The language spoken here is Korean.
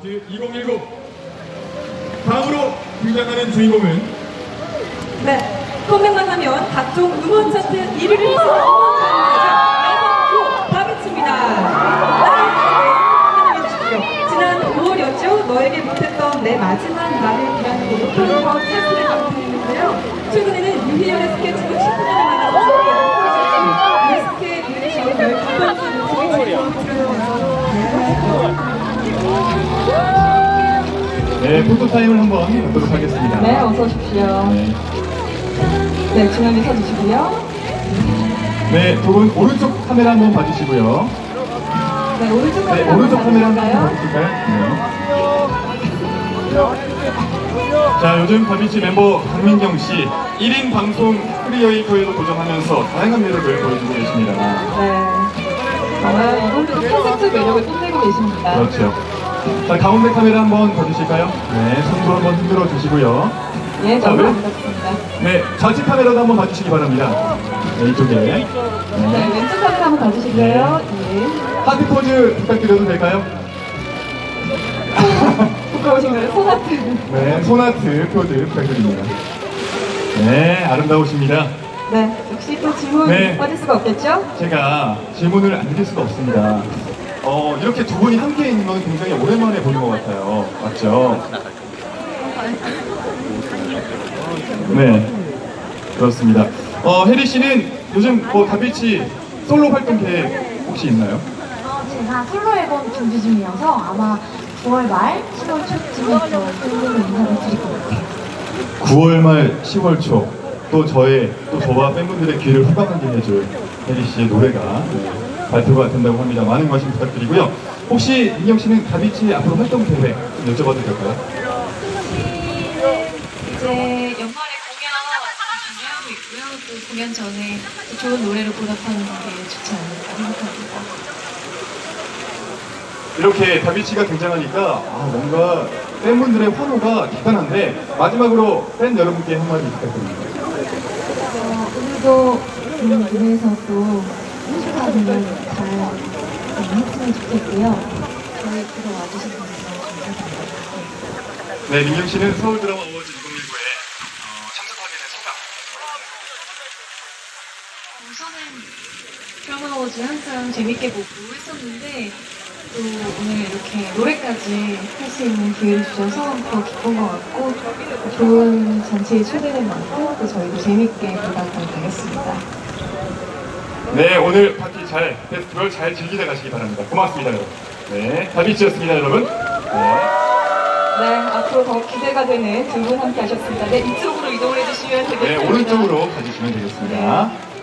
콘서트 2019 다음으로 등장하는 주인공은 네, 컴백만 하면 각종 음원 차트 1위를 휩쓰는 여성 다비치입니다. 사랑해 주십시오. 지난 5월이었죠. 너에게 못했던 내 마지막 말을 위한 노력한 것 차트를 감상했는데요. 최근에는 유희열의 스케치북 10주년을 맞아서 뮤직의 뮤지션 12번째 뮤직의 주인공을 출연하면서 네, 포토타임을 한번 갖도록 하겠습니다. 네, 어서 오십시오. 네, 중앙에 서주시고요. 네, 두 분 오른쪽 카메라 한번 봐주시고요. 네, 오른쪽 네, 카메라 오른쪽 카메라 한번 봐주실까요? 봐주실까요? 네. 자, 요즘 다비치 멤버 강민경 씨 1인 방송 크리에이터에도 도전하면서 다양한 매력을 보여주고 계십니다. 네. 정말 이분도 콘셉트 매력을 뽐내고 계십니다. 그렇죠. 자, 가운데 카메라 한번 봐주실까요? 네, 손도 한번 흔들어 주시고요. 예, 자, 너무 왼- 반갑습니다. 네, 좌측 카메라도 한번 봐주시기 바랍니다. 네, 이쪽에. 네, 왼쪽 카메라 한번 봐주실까요? 예. 하트 포즈 부탁드려도 될까요? 부끄러우신가요? 손아트. 네, 손아트 포즈 부탁드립니다. 네, 아름다우십니다. 네, 역시 또 질문 네. 빠질 수가 없겠죠? 제가 질문을 안 드릴 수가 없습니다. 이렇게 두 분이 함께 있는 건 굉장히 오랜만에 보는 것 같아요. 맞죠? 네, 그렇습니다. 혜리 씨는 요즘 다비치 솔로 활동 계획 혹시 있나요? 제가 솔로 앨범 준비 중이어서 아마 9월 말, 10월 초쯤에 또 팬분들 인사를 드릴 것 같아요. 9월 말 10월 초 또 저와 팬분들의 귀를 호강하게 해줄 혜리 씨의 노래가 발표가 된다고 합니다. 많은 관심 부탁드리고요. 혹시 민경 씨는 다비치 앞으로 활동 계획 좀 여쭤봐도 될까요? 이제 연말에 공연 준비하고 있고요. 또 공연 전에 또 좋은 노래로 보답하는 게 좋지 않을까 생각합니다. 이렇게 다비치가 등장하니까 뭔가 팬분들의 환호가 대단한데 마지막으로 팬 여러분께 한마디 부탁드립니다. 오늘도 무대에서 또 뮤지컬을 잘 했으면 좋겠고요. 저희 보러 와주신 분들 너무 감사드립니다. 네, 민경 씨는 서울 드라마 어워즈 2019에 참석하게 된 소감. 우선은 드라마 어워즈 항상 재밌게 보고 했었는데 또 오늘 이렇게 노래까지 할 수 있는 기회를 주셔서 더 기쁜 것 같고 좋은 잔치에 초대된 만큼 또 저희도 재밌게 보답을 하겠습니다. 네, 오늘 파티 페스티벌 잘 즐기다 가시기 바랍니다. 고맙습니다, 여러분. 네, 다비치였습니다, 여러분. 네. 네, 앞으로 더 기대가 되는 두 분 함께 하셨습니다. 네, 이쪽으로 이동을 해주시면 되겠습니다. 네, 오른쪽으로 가주시면 되겠습니다.